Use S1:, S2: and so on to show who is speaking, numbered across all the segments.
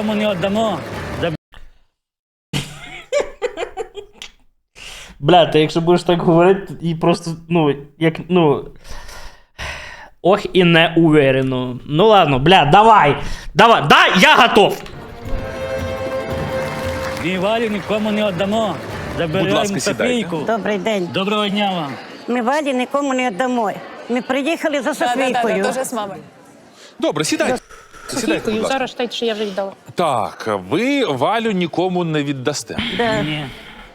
S1: нікому не віддамо.
S2: Бля, ти якщо будеш так говорити, і просто, ох і не уверено. Ну ладно, бля, давай, да, я готов.
S1: Ми Валю нікому не віддамо.
S3: Будь ласка,
S1: Заберемо
S3: сідайте.
S1: Софійку.
S4: Добрий день.
S1: Доброго дня вам.
S4: Ми Валі нікому не віддамо. Ми приїхали за Софійкою.
S5: Дуже з мамою.
S3: Добре, сідайте. Сідайте, будь ласка.
S5: Зараз штейт, що я вже віддала.
S3: Так, ви Валю нікому не віддасте.
S4: Да.
S1: Ні.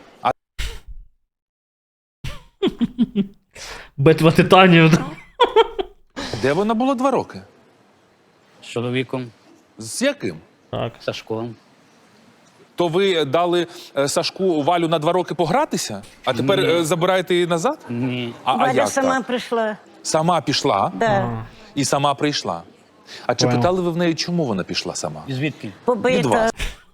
S2: Битва титанів.
S3: Де вона була 2 роки?
S1: З чоловіком,
S3: З яким?
S2: Так.
S1: Сашком.
S3: То ви дали Сашку Валю на 2 роки погратися, а тепер забираєте її назад?
S1: Ні.
S3: А
S4: Валя
S3: як
S4: сама
S3: так?
S4: прийшла.
S3: Сама пішла
S4: Да.
S3: і сама прийшла. А чи
S2: Понял.
S3: питали ви в неї, чому вона пішла сама?
S1: І звідки?
S3: Від
S4: Побита.
S3: вас.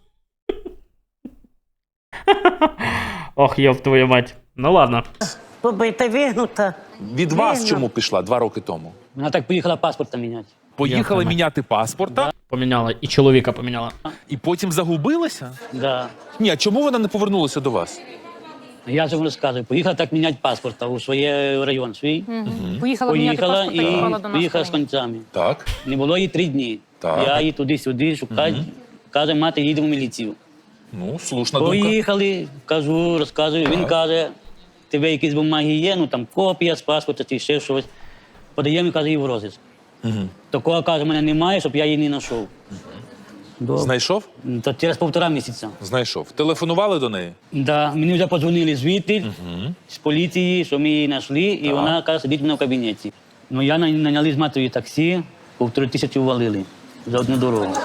S2: Ох, йоп твою мать. Ну ладно.
S4: Побита, вигнута.
S3: Від вас
S4: Вільно.
S3: чому пішла 2 роки тому?
S1: Вона так поїхала паспорта міняти.
S3: Поїхала
S2: Ясно.
S3: міняти паспорта
S2: Поміняла. І чоловіка поміняла.
S3: і потім загубилася?
S1: Да.
S3: Ні, а чому вона не повернулася до вас?
S1: Я ж вам розказую. Поїхала так міняти паспорта у свій район свій.
S5: Поїхала міняти
S1: Поїхала
S5: паспорт, і попала до
S1: і
S5: нас.
S1: поїхала з концями.
S3: Так.
S1: Не було її 3 дні.
S3: Так.
S1: Я її туди-сюди шукати. Каже, мати, їдемо в міліцію.
S3: Ну, слушна думка.
S1: Поїхали, кажу, розказую. Він каже, тебе якісь бумаги є, ну там копія з паспорта чи ще щось. Подаємо, каже, її в розіск. Такого, каже, мене немає, щоб я її не знайшов.
S3: Знайшов?
S1: То через 1,5 місяця.
S3: Знайшов. Телефонували до неї?
S1: Да, мені вже подзвонили звідти, з поліції, що ми її знайшли, і вона каже, сидить в мене в кабінеті. Ну, я наняли з матері таксі, 1500 ввалили за одну дорогу.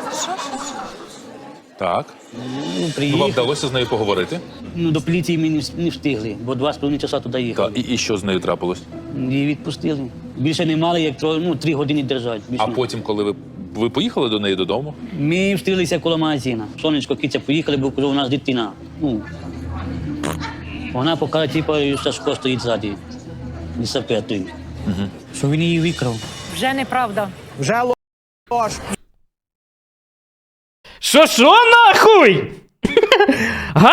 S3: Так.
S1: Ну,
S3: Ну, вам
S1: приїхав.
S3: вдалося з нею поговорити?
S1: Ну, до поліції ми не встигли, бо 2,5 часа туди їхали.
S3: Так. І що з нею трапилось?
S1: Її відпустили. Більше не мали, як 3 години держати. Більше
S3: А
S1: не.
S3: потім, коли ви поїхали до неї додому?
S1: Ми встретилися коло магазина. Сонечко, киця, поїхали, бо кажу, у нас дитина. Ну, вона покаже, типу, Сашко стоїть ззаді. І сапетує. Що він її викрав.
S5: Вже неправда.
S6: Вже ложь.
S2: Що нахуй? Га?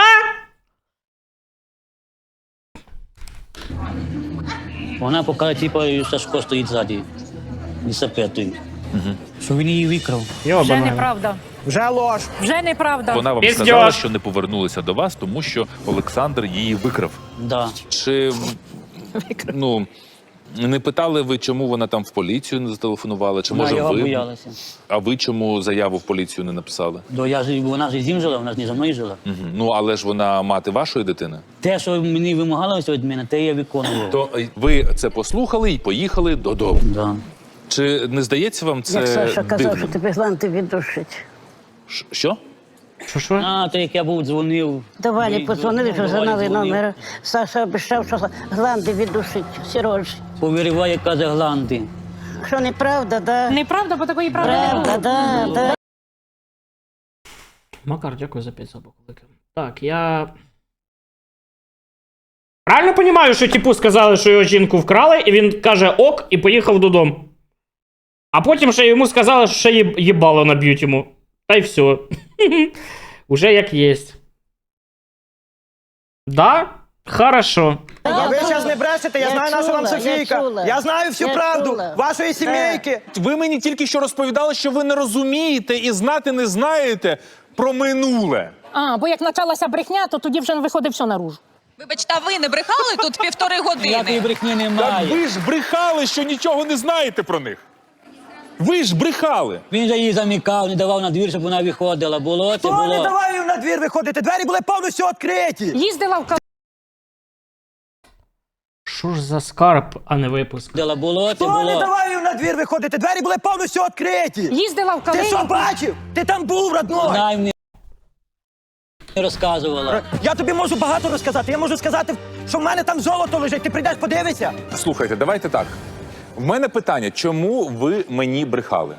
S1: Вона покаже, типу, Сашко стоїть ззаді. І сапетує. Що він її викрав.
S5: Вже
S2: Йобана.
S5: неправда.
S6: Вже ложь.
S5: Вже неправда.
S3: Вона вам
S2: Піздьош.
S3: сказала, що не повернулася до вас, тому що Олександр її викрав.
S1: Да.
S3: Чи не питали ви, чому вона там в поліцію не зателефонувала? Чи
S1: Вона
S3: може
S1: його
S3: ви?
S1: боялася.
S3: А ви чому заяву в поліцію не написали?
S1: Вона ж із ним жила, вона ж не за мною жила.
S3: Ну, але ж вона мати вашої дитини.
S1: Те, що мені вимагалося від мене, те я виконував.
S3: То ви це послухали і поїхали додому.
S1: Да.
S3: Чи не здається вам це
S4: Як Саша казав, що
S3: дивним?
S4: тебе гланти віддушить.
S3: Що?
S2: Що?
S1: А, то як я був дзвонив.
S4: До Валі
S1: Він
S4: подзвонили, що
S1: дзвонив,
S4: знали
S1: дзвонив.
S4: номер. Саша обіцяв, що гланди віддушить Сережі.
S1: Повириває, каже, гланди.
S4: Що неправда, да?
S5: Неправда, бо такої правди не
S4: Правда,
S5: було.
S4: да.
S2: Макар, дякую за 5 забок. Так, я... Правильно розумію, що типу сказали, що його жінку вкрали, і він каже ок і поїхав додому. А потім ще йому сказали, що ще їбало наб'ють йому. Та й все. Уже як єсть. Да? Хорошо.
S6: А ви зараз не брешете, я знаю, наша вам
S4: чула,
S6: Софійка. Я знаю всю
S4: Я
S6: правду
S4: чула.
S6: вашої сімейки.
S3: Ви мені тільки що розповідали, що ви не розумієте і знати не знаєте про минуле.
S5: А, бо як почалася брехня, то тоді вже виходить все наружу.
S7: Вибачте, а ви не брехали тут 1,5
S1: Ніякої
S7: години?
S1: брехні
S3: Так
S1: немає.
S3: ви ж брехали, що нічого не знаєте про них. Ви ж брехали.
S1: Він же її замікав, не давав на двір, щоб вона виходила. Було це
S6: Хто не
S1: було.
S6: давав їм на двір виходити? Двері були повністю відкриті.
S5: Їздила в
S2: Що ж за скарб, а не випуск?
S1: Було це
S6: Хто не
S1: було.
S6: давав їм на двір виходити? Двері були повністю відкриті.
S5: Їздила в
S6: Ти що
S5: Калині.
S6: бачив? Ти там був, родной.
S1: Вона їм не розказувала.
S6: Я тобі можу багато розказати. Я можу сказати, що в мене там золото лежить. Ти прийдеш, подивишся.
S3: Слухайте, давайте так. В мене питання, чому ви мені брехали?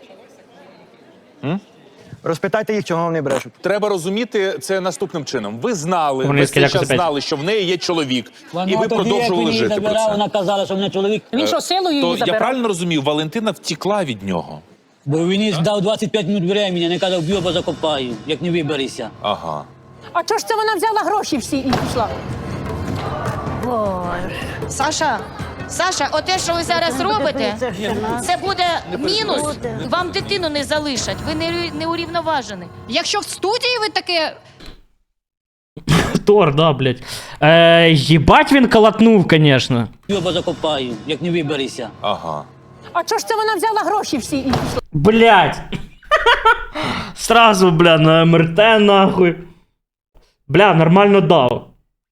S6: Розпитайте їх, чого вони брешуть.
S3: Треба розуміти це наступним чином. Ви знали,
S2: Вони
S3: весь цей
S2: скіляко
S3: час
S2: запять.
S3: знали, що в неї є чоловік,
S1: Вона
S3: і ви
S1: тоді, як
S3: продовжували
S1: він її
S3: жити про
S1: забирав,
S3: це.
S1: вона казала, що в мене чоловік.
S5: Він що, силою
S3: То
S5: її
S3: я
S5: забирав?
S3: правильно розумів, Валентина втікла від нього.
S1: Бо він дав 25 минут времени, не казав, б'ю або закопаю, як не виберешся.
S3: Ага.
S5: А чого ж це вона взяла гроші всі і пішла?
S8: Саша, оте, що ви зараз робите, це буде мінус. Вам дитину не залишать, ви не урівноважені.
S7: Якщо в студії ви таке.
S2: Тор, да, блядь. Єбать він колотнув, конечно.
S1: Б'ю або закопаю, як не виберешся.
S3: Ага.
S5: А чого ж це вона взяла гроші всі і пішла?
S2: Блядь. Сразу, бля, на МРТ, нахуй. Бля, нормально дав.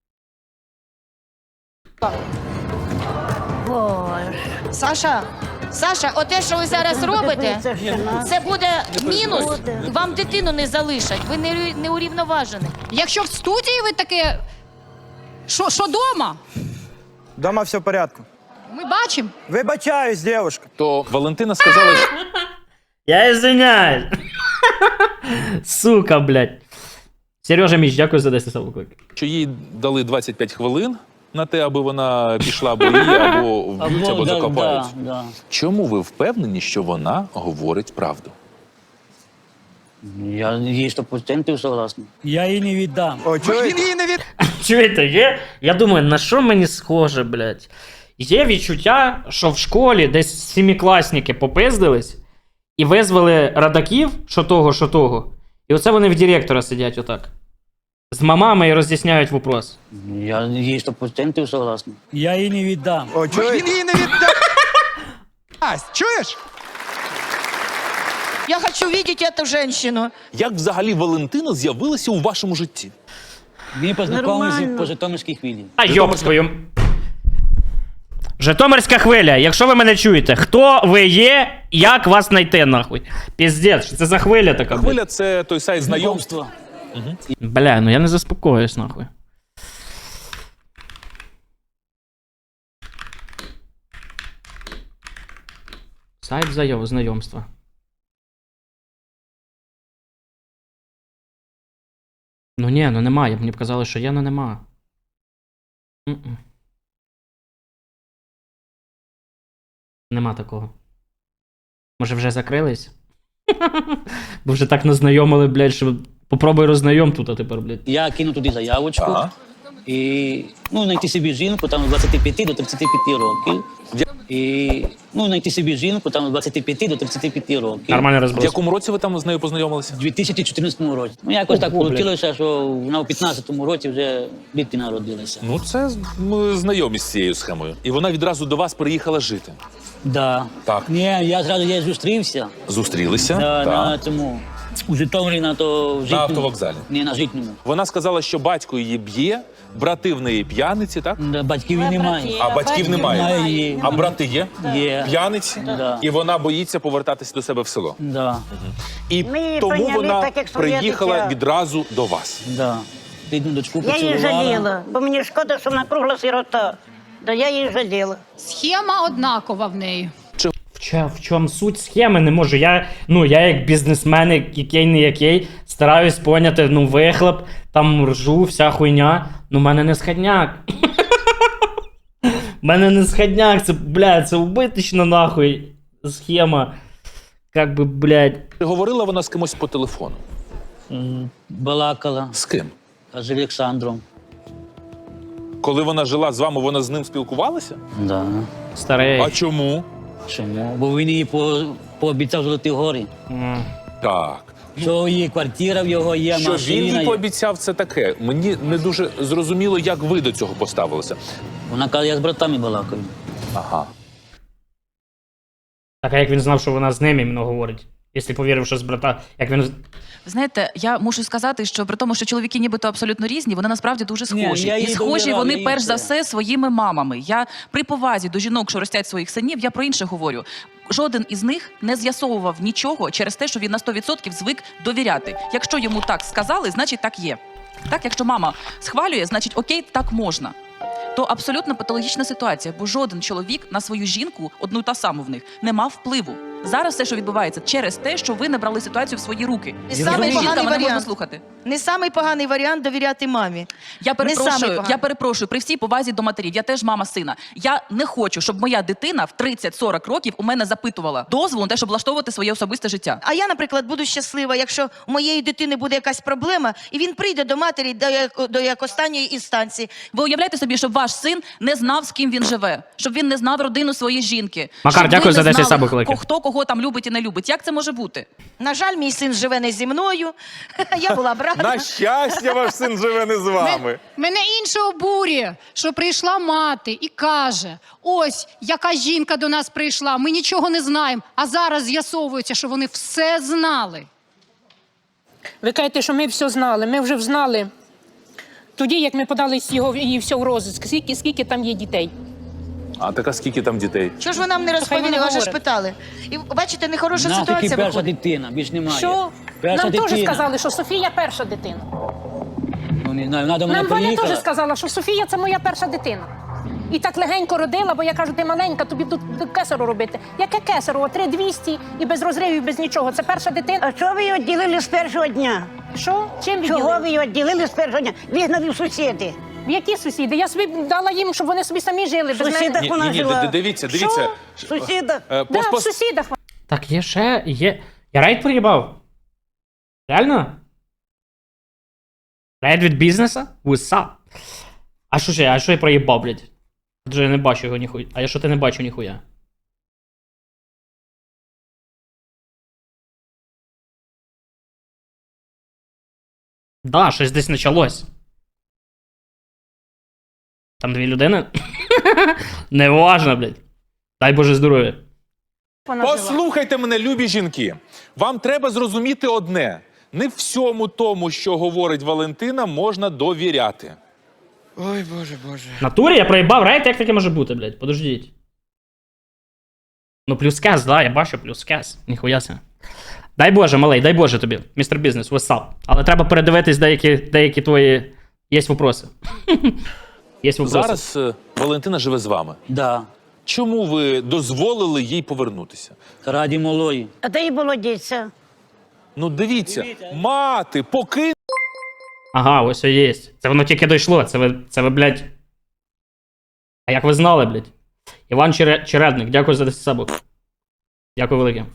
S8: Саша, оте, що ви зараз робите, це буде мінус. Вам дитину не залишать, ви не урівноважені.
S7: Якщо в студії ви таке. Що дома?
S6: Дома все в порядку.
S7: Ми бачимо.
S6: Вибачаюсь, дівчинка.
S3: То Валентина сказала, що
S2: Я извиняюсь. Сука, блядь. Сережа Міч, дякую за 10 салок.
S3: їй дали 25 хвилин на те, аби вона пішла, бо її або вб'ють, або закопають.
S1: Да.
S3: Чому ви впевнені, що вона говорить правду?
S1: Я їй 100% согласний. Я її не віддам.
S6: О, чуєте?
S2: Чуєте, є? Я думаю, на що мені схоже, блядь? Є відчуття, що в школі десь сімікласники попиздились і визвали радаків, що того. І оце вони в директора сидять отак. З мамами і роз'ясняють вопрос.
S1: Я їй 100% согласний. Я її не віддам.
S6: О, чуєте?
S9: Чуєш?
S8: Я хочу бачити цю жінку.
S3: Як взагалі Валентина з'явилася у вашому житті?
S1: Ми познайомилися
S4: Нормально.
S1: по Житомирській хвилі.
S2: А йоб твою. Житомирська хвиля, якщо ви мене чуєте, хто ви є, як вас знайти, нахуй? Піздець, що це за хвиля така, блядь?
S3: Хвиля — це той сайт знайомств.
S1: Знайомство.
S2: Бля, ну я не заспокоюсь, нахуй. Сайт знайомства. Ну ні, ну немає. Мені б казали, що є, но нема. М-м. Нема такого. Може вже закрились? Бо вже так назнайомили, блядь, що попробуй роззнайом тут, а тепер, блядь.
S1: Я кинув туди заявочку.
S3: Ага.
S1: І знайти собі жінку там з 25 до 35 років. І знайти собі жінку там з 25 до 35 років.
S2: Нормально
S3: В
S2: розброс.
S3: якому році ви там з нею познайомилися?
S1: У 2014 році. Якось так
S2: Ого,
S1: вийшло, що вона у 15-му році вже дитина народилася.
S3: Ну, це ми знайомі з цією схемою. І вона відразу до вас приїхала жити.
S1: Да.
S3: Так.
S1: Ні, я зразу її зустрівся.
S3: Зустрілися?
S1: Да,
S3: Так.
S1: на цьому. У Житомирі на Житному.
S3: автовокзалі.
S1: Ні, на Житному.
S3: Вона сказала, що батько її б'є, брати в неї п'яниці, так?
S1: Да, батьків і немає.
S3: А батьків немає.
S1: Немає.
S3: А брати є?
S1: Є.
S3: П'яниці?
S1: Да.
S3: І вона боїться повертатися до себе в село.
S1: Да,
S3: І
S4: Ми її
S3: тому
S4: прийняли
S3: вона
S4: так, як совєтики.
S3: приїхала відразу до вас.
S1: да. Рідну дочку
S4: Я її
S1: поцілувала.
S4: жаліла, бо мені шкода, що вона кругла сирота. Да я її жаліла.
S7: Схема однакова в неї.
S2: В чому суть схеми не можу. Я як бізнесмен, який не який, стараюсь поняти, вихлоп, там ржу, вся хуйня. Ну, в мене не сходняк. В мене не сходняк, це, блядь, це убиточна нахуй схема. Как би, блядь.
S3: Чи говорила вона з кимось по телефону?
S1: Балакала
S3: З ким?
S1: з Олександром.
S3: Коли вона жила з вами, вона з ним спілкувалася?
S1: Да.
S2: Старий.
S3: А чому?
S1: Чому? Бо він її пообіцяв Золоті гори.
S3: Так.
S1: Що є квартира в його, є
S3: Що
S1: машина.
S3: він їй
S1: є.
S3: пообіцяв, це таке. Мені не дуже зрозуміло, як ви до цього поставилися.
S1: Вона каже, я з братами балакаю.
S3: Ага.
S2: Так, а як він знав, що вона з ним іменно говорить? Якщо повірив, що з брата, як він...
S10: Знаєте, я мушу сказати, що при тому, що чоловіки нібито абсолютно різні, вони насправді дуже схожі.
S1: я
S10: І
S1: їй
S10: схожі
S1: довіряю,
S10: вони
S1: їй
S10: перш за
S1: це.
S10: все своїми мамами. Я при повазі до жінок, що ростять своїх синів, я про інше говорю. Жоден із них не з'ясовував нічого через те, що він на 100% звик довіряти. Якщо йому так сказали, значить так є. Так, якщо мама схвалює, значить окей, так можна. То абсолютно патологічна ситуація, бо жоден чоловік на свою жінку, одну та саму в них, не мав впливу. Зараз все, що відбувається, через те, що ви не брали ситуацію в свої руки.
S8: І
S10: Я
S8: самий
S10: жінка,
S8: поганий
S10: мене можна
S8: варіант.
S10: слухати.
S8: Не самий поганий варіант довіряти мамі.
S10: Я
S8: самий поганий.
S10: перепрошую, при всій повазі до матерів, я теж мама сина. Я не хочу, щоб моя дитина в 30-40 років у мене запитувала дозволу на те, щоб влаштовувати своє особисте життя.
S8: А я, наприклад, буду щаслива, якщо у моєї дитини буде якась проблема, і він прийде до матері до як останньої інстанції.
S10: Ви уявляєте собі, щоб ваш син не знав, з ким він живе, щоб він не знав родину своєї жінки.
S2: Макар,
S10: щоб ви
S2: дякую
S10: не
S2: за 10
S10: знали,
S2: сабок великих.
S10: хто кого там любить і не любить. Як це може бути?
S8: На жаль, мій син живе не зі мною. Я була б рада.
S3: На щастя, ваш син живе не з вами.
S7: Мене інше обурює, що прийшла мати і каже: ось яка жінка до нас прийшла, ми нічого не знаємо, а зараз з'ясовується, що вони все знали.
S5: Ви кажете, що ми все знали. Ми вже знали тоді, як ми подали її все в розиск. Скільки там є дітей?
S3: А така скільки там дітей?
S8: Чого ж ви нам не
S5: Хай
S8: розповіли,
S5: вони
S8: вас же ж
S5: говорять.
S8: питали. І бачите, нехороша
S1: Нас тільки
S8: ситуація
S1: перша
S8: виходить.
S1: дитина, більш немає.
S5: Що?
S1: Перша
S5: Нам теж
S1: дитина.
S5: сказали, що Софія перша дитина.
S1: Ну, не знаю, вона до мене
S5: Нам Валя
S1: приїхала.
S5: теж сказала, що Софія це моя перша дитина. І так легенько родила, бо я кажу, ти маленька, тобі тут кесару робити. Яке кесарово? 3200 і без розривів, без нічого. Це перша дитина.
S4: А чого ви його відділили з першого дня?
S5: Що? Чим
S4: Чого
S5: відділили?
S4: ви його відділили з першого дня? Вигнали в сусіди.
S5: Які сусіди? Я собі дала їм, щоб вони собі самі жили.
S4: В
S5: Без мене.
S4: сусідах вона жила.
S3: Дивіться.
S4: В сусідах.
S5: Да, в сусідах.
S2: Так, є. Я рейд проїбав. Реально? Рейд від бізнеса? What's up? А що я проїбав, блядь? Адже я не бачу його ніхуя. А я що ти не бачу ніхуя? Да, щось десь почалось. Там 2 людини? Неважно, блядь. Дай Боже здоров'я.
S5: Вона жила.
S3: Послухайте мене, любі жінки. Вам треба зрозуміти одне. Не всьому тому, що говорить Валентина, можна довіряти.
S6: Ой, Боже, Боже.
S2: В натурі я проїбав рейд, як таке може бути, блядь? Подождіть. Ну, плюс кес, да, я бачу, плюс кес. Ніхуя себе. Дай Боже, малий, дай Боже тобі, містер бізнес, what's up. Але треба передивитись деякі твої... Є вопроси. Є вопроси.
S3: Зараз Валентина живе з вами.
S1: Да.
S3: Чому ви дозволили їй повернутися?
S1: Раді малої.
S4: А де їй було діться?
S3: Ну дивіться, мати покинула
S2: Ага, ось є. Це воно тільки дійшло. Це ви, блядь. А як ви знали, блядь? Іван Чередник, дякую за 10 сабок. Дякую велике.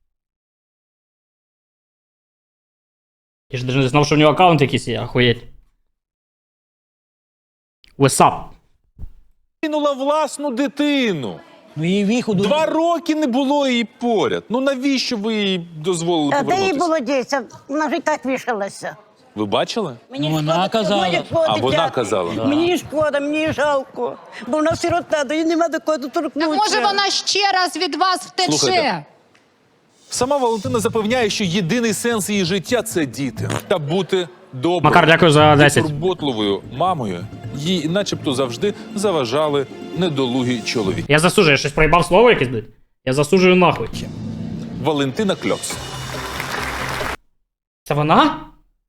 S2: Я ж навіть не знав, що в нього аккаунт якийсь є, ахуєть. What's up?
S3: власну дитину.
S1: Ну, її виходу...
S3: 2 роки не було її поряд. Ну навіщо ви їй дозволили
S4: А де їй
S3: повернутися?
S4: було діться? Вона ж і так вішалася.
S3: Ви бачили?
S4: Мені
S1: Ну, вона
S4: шкода
S1: казала.
S4: цього якого
S3: А вона
S4: дитятка.
S3: казала.
S1: Да.
S4: Мені шкода, мені жалко. Бо вона сирота, до її нема до кого доторкнутися.
S7: Може, вона ще раз від вас втече?
S3: Слухайте. Сама Валентина запевняє, що єдиний сенс її життя – це діти. Та бути доброю,
S2: Макар, дякую за 10.
S3: турботливою мамою. Їй начебто завжди заважали недолугі чоловіки.
S2: Я засуджую, я щось проїбав слово якесь, блядь? Я засуджую нахуй.
S3: Валентина Кльоц.
S2: Це вона?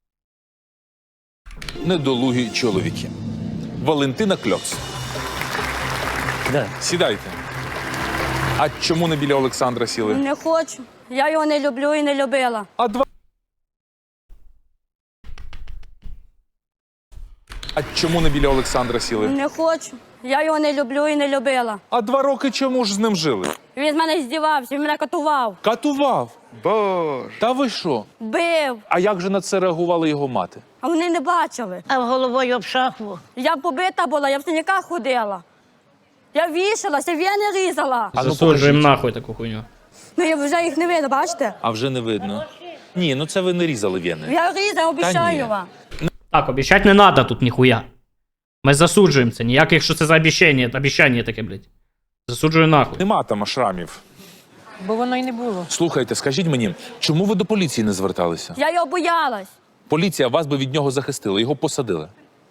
S3: Недолугі чоловіки. Валентина Кльоц.
S1: Да.
S3: Сідайте. А чому не біля Олександра сіли?
S9: Не хочу. Я його не люблю і не любила.
S3: А чому не біля Олександра сіли?
S9: Не хочу. Я його не люблю і не любила.
S3: А 2 роки чому ж з ним жили?
S9: Він з мене здівався, він мене катував,
S3: Катував.
S6: Боже.
S3: Та ви що?
S9: бив,
S3: А як же на це реагувала його мати?
S9: а вони не бачили.
S4: А головою об шахву.
S9: Я побита була, я в синяках ходила. Я вішалася, вени різала.
S3: А ну
S2: Засуджуємо
S3: покажіть.
S2: нахуй таку хуйню.
S9: Ну я вже їх не видно, бачите?
S3: А вже не видно. Ні, ну це ви не різали вени.
S9: Я різала, обіцяю
S3: ні.
S9: вам.
S2: Так, обіцяти не треба тут ніхуя. Ми засуджуємо це. Ніяких, що це за обіцяння таке, блядь. Засуджую нахуй.
S3: Нема там шрамів.
S5: Бо воно й не було.
S3: Слухайте, скажіть мені, чому ви до поліції не зверталися?
S9: Я його боялась.
S3: Поліція вас би від нього захистила, його посадили.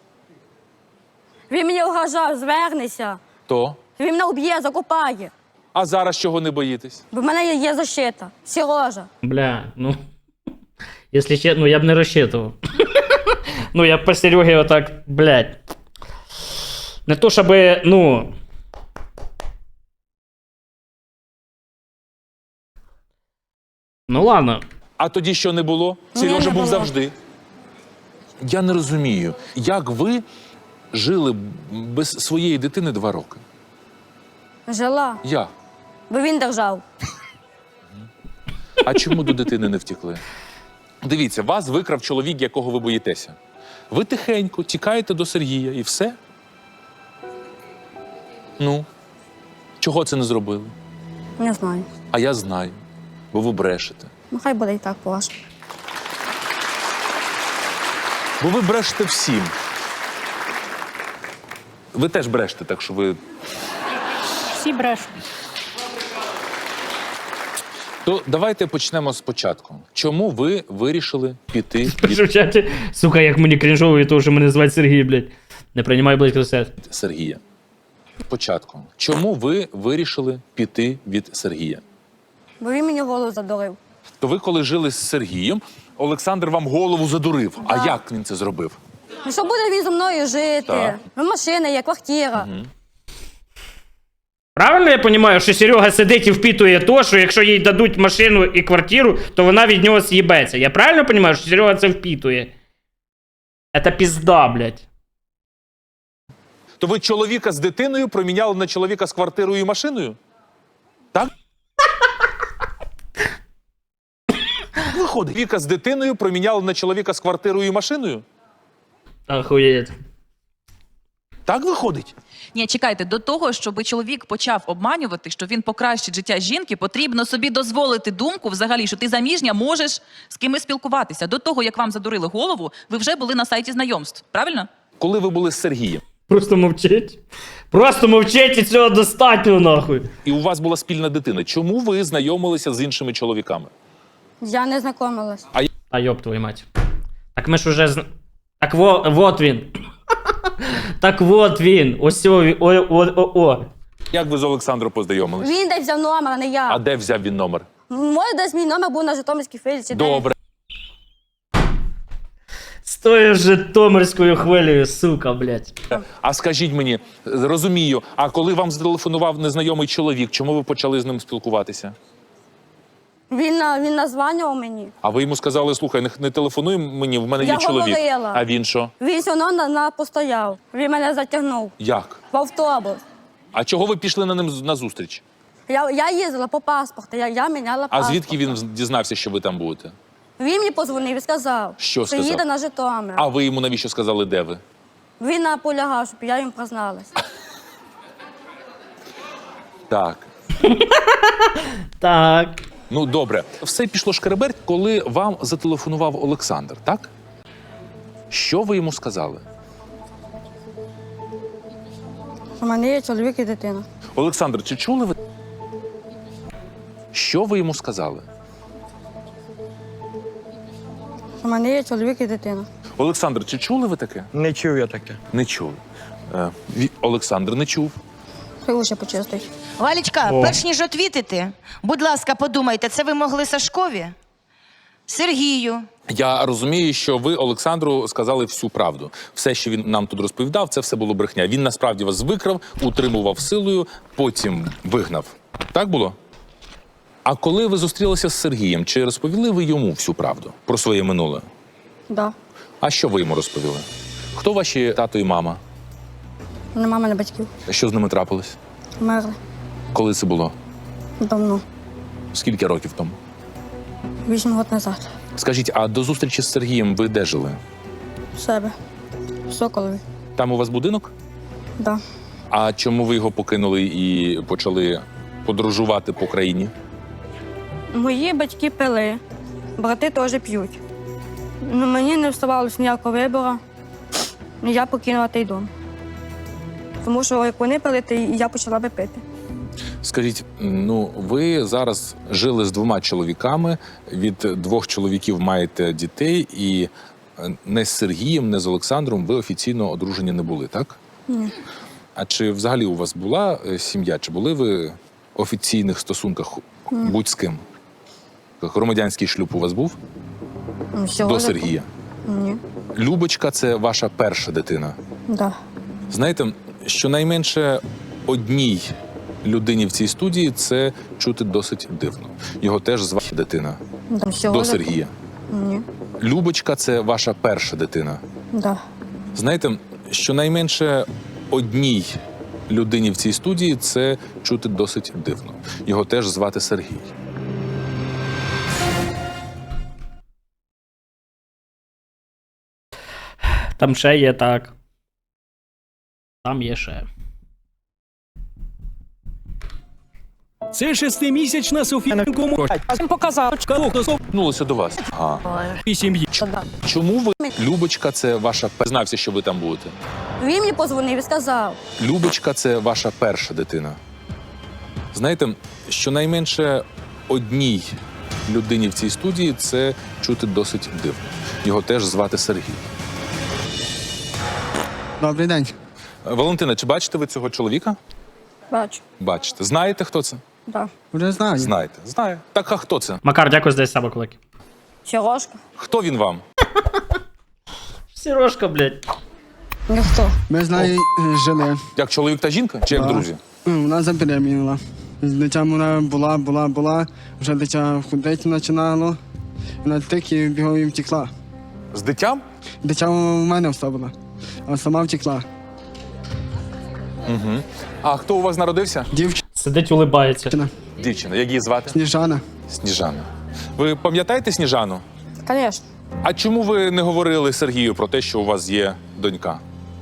S9: Він мені угрожав, звернися.
S3: То?
S9: Він мене уб'є, закопає.
S3: А зараз чого не боїтесь?
S9: Бо в мене є защита. Сірожа.
S2: Бля, ну. Якщо чесно, ну я б не розчитував. Ну, я б по Серегі отак, блядь. Не то, щоб, ну. Ну ладно.
S3: А тоді що не було? Сережа
S9: не
S3: був
S9: було.
S3: завжди. Я не розумію, як ви жили без своєї дитини 2 роки?
S9: Жила,
S3: Як?
S9: бо він держав.
S3: А чому до дитини не втекли? Дивіться, вас викрав чоловік, якого ви боїтеся. Ви тихенько тікаєте до Сергія і все? Ну, чого це не зробили?
S9: Не знаю.
S3: А я знаю, бо ви брешете.
S9: Ну хай буде і так, по-вашому.
S3: Бо ви брешете всім. Ви теж брешете, так що ви...
S5: Всі брешуть.
S3: То давайте почнемо спочатку. Чому ви вирішили піти від
S2: Пишу в чаті, сука, як мені крінжово від того, що мене звати Сергій, блядь. Не приймай близько до себе.
S3: Сергія? Спочатку. Чому ви вирішили піти від Сергія?
S9: Бо він мені голову задурив.
S3: То ви, коли жили з Сергієм, Олександр вам голову задурив. А
S9: Так.
S3: як він це зробив?
S9: Ну що буде він зі мною жити?
S3: Так.
S9: Ну, машина є, квартира.
S2: Правильно я розумію, що Серега сидить і впитує то, що якщо їй дадуть машину і квартиру, то вона від нього з'їбеться. Я правильно розумію, що Серега це впитує? Це пізда, блядь.
S3: То ви чоловіка з дитиною проміняли на чоловіка з квартирою і машиною? Так? Виходить. Чоловіка з дитиною проміняли на чоловіка з квартирою і машиною?
S2: Охуєть.
S3: Так виходить?
S10: Ні, чекайте, до того, щоб чоловік почав обманювати, що він покращить життя жінки, потрібно собі дозволити думку взагалі, що ти заміжня можеш з кимось спілкуватися. До того, як вам задурили голову, ви вже були на сайті знайомств, правильно?
S3: Коли ви були з Сергієм,
S2: Просто мовчить. Просто мовчить і цього достатньо, нахуй.
S3: і у вас була спільна дитина, чому ви знайомилися з іншими чоловіками?
S9: Я не знайомилась.
S2: А йоб твою мать. Так ми ж уже Так вот він. Так вот він. Ось о.
S3: Як ви з Олександром познайомились?
S9: Він десь взяв номер, а не я.
S3: А де взяв він номер?
S9: Може, десь мій номер був на Житомирській філії. Чи
S3: Добре.
S2: З тою житомирською хвилею, сука, блядь.
S3: А скажіть мені, розумію, а коли вам зателефонував незнайомий чоловік, чому ви почали з ним спілкуватися?
S9: Він названював мені.
S3: А ви йому сказали, слухай, не телефонуй мені, в мене є
S9: Я
S3: чоловік.
S9: говорила.
S3: А він що?
S9: Він все одно постояв. Він мене затягнув
S3: Як?
S9: в автобус.
S3: А чого ви пішли на ним на зустріч?
S9: Я їздила по паспорту, я міняла
S3: А
S9: паспорт.
S3: звідки він дізнався, що ви там будете?
S9: Він мені позвонив і сказав,
S3: Що сказав?
S9: їде на Житомир.
S3: А ви йому навіщо сказали, де ви?
S9: Він наполягав, щоб я їм призналась.
S3: Так.
S2: Так.
S3: Ну, добре. Все пішло шкереберть, коли вам зателефонував Олександр, так? Що ви йому сказали?
S9: У мене є чоловік і дитина.
S3: Олександр, чи чули ви? Що ви йому сказали?
S9: У мене є чоловік і дитина.
S3: Олександр, чи чули ви таке?
S6: Не чув я таке.
S3: Не чули. Олександр не чув.
S9: Хай лише почистить.
S8: Валічка,
S2: О.
S8: перш ніж відвітити, будь ласка, подумайте, це ви могли Сашкові? Сергію?
S3: Я розумію, що ви Олександру сказали всю правду. Все, що він нам тут розповідав, це все було брехня. Він насправді вас викрав, утримував силою, потім вигнав. Так було? А коли ви зустрілися з Сергієм, чи розповіли ви йому всю правду про своє минуле?
S9: Да.
S3: А що ви йому розповіли? Хто ваші тато і мама?
S9: Нема мене батьків.
S3: Що з ними трапилось?
S9: Мерли.
S3: Коли це було?
S9: Давно.
S3: Скільки років тому?
S9: 8 років назад.
S3: Скажіть, а до зустрічі з Сергієм ви де жили?
S9: В себе. В Соколові.
S3: Там у вас будинок?
S9: Да.
S3: А чому ви його покинули і почали подорожувати по країні?
S9: Мої батьки пили. Брати теж п'ють. Ну, мені не вставалося ніякого вибору. Я покинула той дом. Тому що як вони пили, то і я почала би пити.
S3: Скажіть, ну ви зараз жили з 2 чоловіками, від 2 чоловіків маєте дітей, і не з Сергієм, не з Олександром ви офіційно одружені не були, так?
S9: Ні. А
S3: чи взагалі у вас була сім'я? Чи були ви в офіційних стосунках будь з ким? Громадянський шлюб у вас був до Сергія?
S9: Ні.
S3: Любочка – це ваша перша дитина.
S9: Да.
S3: Знаєте, щонайменше одній людині в цій студії це чути досить дивно. Його теж звати дитина.
S9: Там всього
S3: До Сергія.
S9: Ні.
S3: Любочка це ваша перша дитина.
S9: Да.
S3: Знаєте, щонайменше одній людині в цій студії це чути досить дивно. Його теж звати Сергій.
S2: Там ще є так. Там є ще.
S6: Це 6-місячна Софія кому показав.
S3: Вернулося до вас. Ага.
S6: І сім'ї.
S3: Чому ви, Любочка, це ваша знався, що ви там будете?
S9: Він мені позвонив і сказав.
S3: Любочка це ваша перша дитина. Знаєте, щонайменше одній людині в цій студії це чути досить дивно. Його теж звати Сергій.
S11: Добрий день.
S3: Валентина, чи бачите ви цього чоловіка?
S9: Бачу.
S3: Бачите. Знаєте, хто це?
S9: Да.
S11: Вже знаю.
S3: Знаєте. Знаю. Так, а хто це?
S2: Макар, дякую за 10 сабок, великий.
S9: Сережка.
S3: Хто він вам?
S2: Сірошка, блядь.
S9: Ніхто.
S11: Ми з нею жили.
S3: Як чоловік та жінка? Чи як
S11: Да.
S3: друзі?
S11: Вона забеременіла. З дитям вона була. Вже дитя ходити починало. Вона тільки бігом і втекла.
S3: З дитям?
S11: Дитя в мене вставила, а сама втекла.
S3: Угу. А хто у вас народився?
S11: Дівчина,
S2: Сидить, улибається.
S3: Дівчина. Як її звати?
S11: Сніжана.
S3: Сніжана. Ви пам'ятаєте Сніжану?
S9: Звісно.
S3: А чому ви не говорили Сергію про те, що у вас є донька?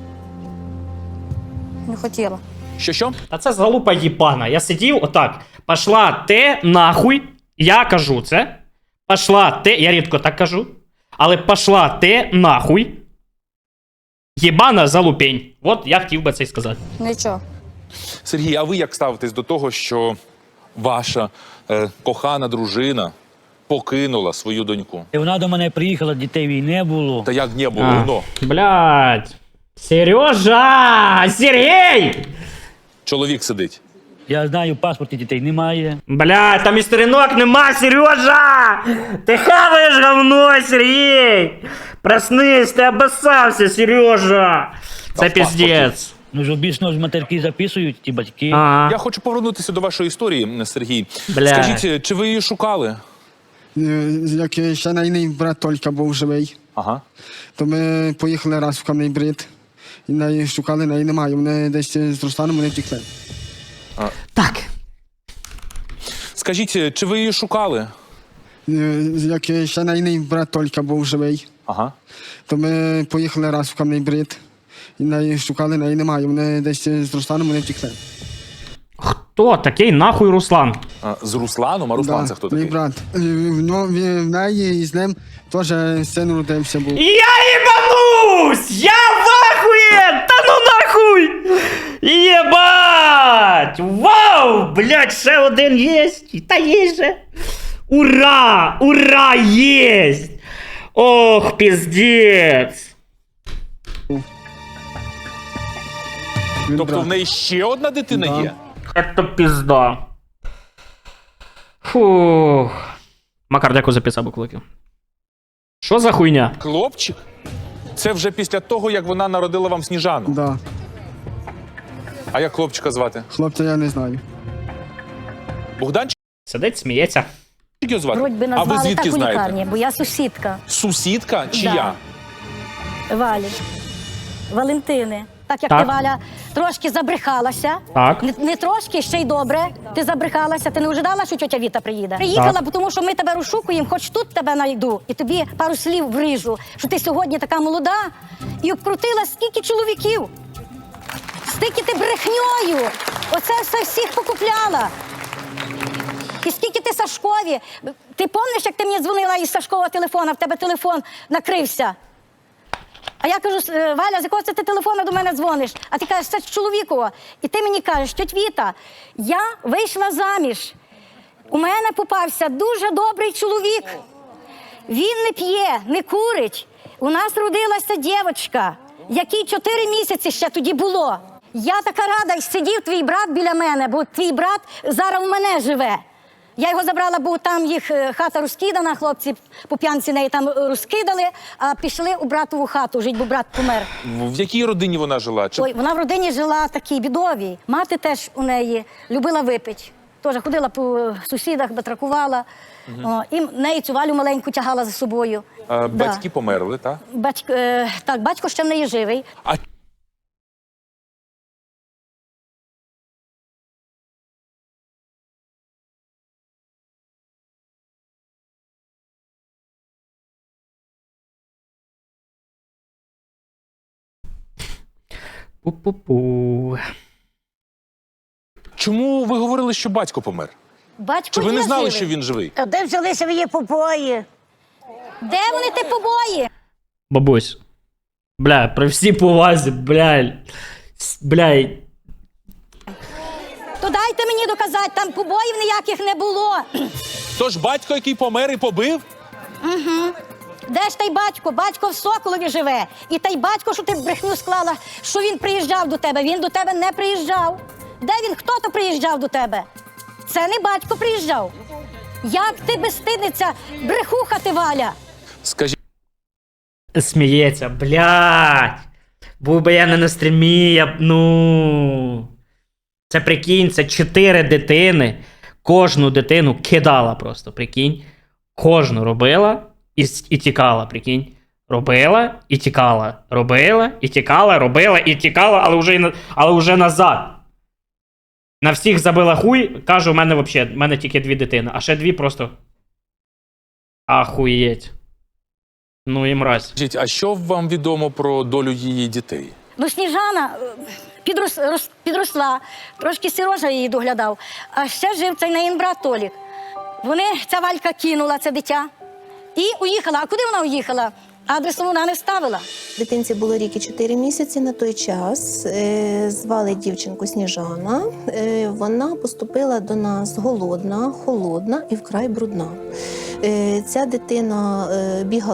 S9: Не хотіла.
S3: Що?
S2: А це залупа їбана. Я сидів отак. Пошла ти нахуй. Я кажу це. Пошла ти. Я рідко так кажу. Але пошла ти нахуй. Єбана залупень. От я хотів би це й сказати.
S9: Нічого.
S3: Сергій, а ви як ставитесь до того, що ваша кохана дружина покинула свою доньку?
S1: І вона до мене приїхала, дітей в її не було.
S3: Та як не було,
S2: А.
S3: ну.
S2: Блядь. Сережа! Сергій!
S3: Чоловік сидить.
S1: Я знаю, в паспорті дітей немає.
S2: Блядь, там і сторінок нема, Сережа! Ти хаваєш говно, Сергій! Проснись, ти обоссався, Сережа! Це
S3: в паспорті.
S2: піздець.
S1: Ну ж більш матерки записують, ті батьки.
S2: Ага.
S3: Я хочу повернутися до вашої історії, Сергій.
S2: Бля.
S3: Скажіть, чи ви її шукали?
S11: Як ще найний брат Толька був живий,
S3: Ага.
S11: то ми поїхали раз в Кам'яний Брід. І неї шукали, неї немає. Вони десь з Русланом вони втекли.
S2: Так.
S3: Скажіть, чи ви її шукали?
S11: Як ще найний брат Толька був живий,
S3: Ага.
S11: то ми поїхали раз в Кам'яний Брід. І неї шукали, неї немає. Вони десь з Русланом вони втекли.
S2: Хто такий нахуй Руслан?
S3: З Русланом? А Руслан це хто
S11: мій
S3: такий?
S11: брат. В неї і з ним теж син родився був.
S2: Я ебанусь! Я в ахуе! Та ну нахуй! Єбать! Вау! Блядь, ще один єсть! Та є же! Ура! Ура! Єсть! Ох, піздець!
S11: Він
S3: Тобто
S11: брат.
S3: в неї ще одна дитина
S11: Да.
S3: є?
S2: Это пізда. Фух. Макар, дякую за 5 сабок, великий. Що за хуйня?
S3: Хлопчик? Це вже після того, як вона народила вам Сніжану.
S11: Да.
S3: А як хлопчика звати?
S11: Хлопця я не знаю.
S3: Богданчик
S2: Сидить, сміється.
S3: його звати?
S4: Вроді би
S3: А ви
S4: назвали
S3: звідки
S4: так у
S3: знаєте?
S4: лікарні, бо я сусідка
S3: Сусідка чи
S4: Да.
S3: я?
S4: Валі. Валентини. Так як
S2: Так.
S4: ти, Валя, трошки забрехалася.
S2: Так.
S4: Не трошки, ще й добре. Ти забрехалася, ти не ожидала, що тьотя Віта приїде? Приїхала, бо тому що ми тебе розшукуємо, хоч тут тебе знайду, і тобі пару слів врижу, що ти сьогодні така молода і обкрутила скільки чоловіків. Стільки ти брехньою. Оце все всіх покупляла. І скільки ти Сашкові. Ти пам'ятаєш, як ти мені дзвонила із Сашкового телефона, в тебе телефон накрився? А я кажу, Валя, з якого це ти телефону до мене дзвониш? А ти кажеш, це чоловікова. І ти мені кажеш, тьоть Віта, я вийшла заміж. У мене попався дуже добрий чоловік. Він не п'є, не курить. У нас родилася дівчинка, якій 4 місяці ще тоді було. Я така рада, і сидів твій брат біля мене, бо твій брат зараз у мене живе. Я його забрала, бо там їх хата розкидана, хлопці по п'янці неї там розкидали, а пішли у братову хату жити, бо брат помер.
S3: В якій родині вона жила? Чи...
S4: Ой, вона в родині жила такій бідовій. Мати теж у неї любила випити. Теж ходила по сусідах, батракувала. І неї цю Валю маленьку тягала за собою.
S3: Батьки померли, так?
S4: Так, батько ще в неї живий.
S3: А
S2: Пу-пу-пу.
S3: чому ви говорили, що батько помер?
S4: Батько
S3: Чи ви не
S4: є
S3: знали,
S4: живий.
S3: що він живий?
S6: А де взялися в її побої?
S4: Де вони ті побої?
S2: Бабусь. Бля, при всій повазі, бля. Бля.
S4: То дайте мені доказати, там побоїв ніяких не було.
S3: Тож батько, який помер і побив?
S4: Де ж той батько? Батько в Соколові живе. І той батько, що ти брехню склала, що він приїжджав до тебе. Він до тебе не приїжджав. Де він? Хто то приїжджав до тебе? Це не батько приїжджав. Як ти безстидниця, брехуха ти, Валя?
S3: Скажіть,
S2: Сміється, блядь. Був би я не на стрімі, я б, ну. Це прикинь, це 4 дитини. Кожну дитину кидала просто, прикинь. Кожну робила і тікала, прикинь. Робила і тікала. Робила і тікала, робила і тікала, але вже назад. На всіх забила хуй, кажу, у мене тільки 2 дитини, а ще 2 просто. Ахуєть. Ну і мразь.
S3: а що вам відомо про долю її дітей?
S4: Ну, Сніжана підросла, трошки Сережа її доглядав, а ще жив цей неїн брат Толік. Ця Валька кинула це дитя і уїхала. А куди вона уїхала? Адресу вона не ставила.
S12: Дитинці було рік і 4 місяці на той час. Звали дівчинку Сніжана. Вона поступила до нас голодна, холодна і вкрай брудна. Ця дитина бігала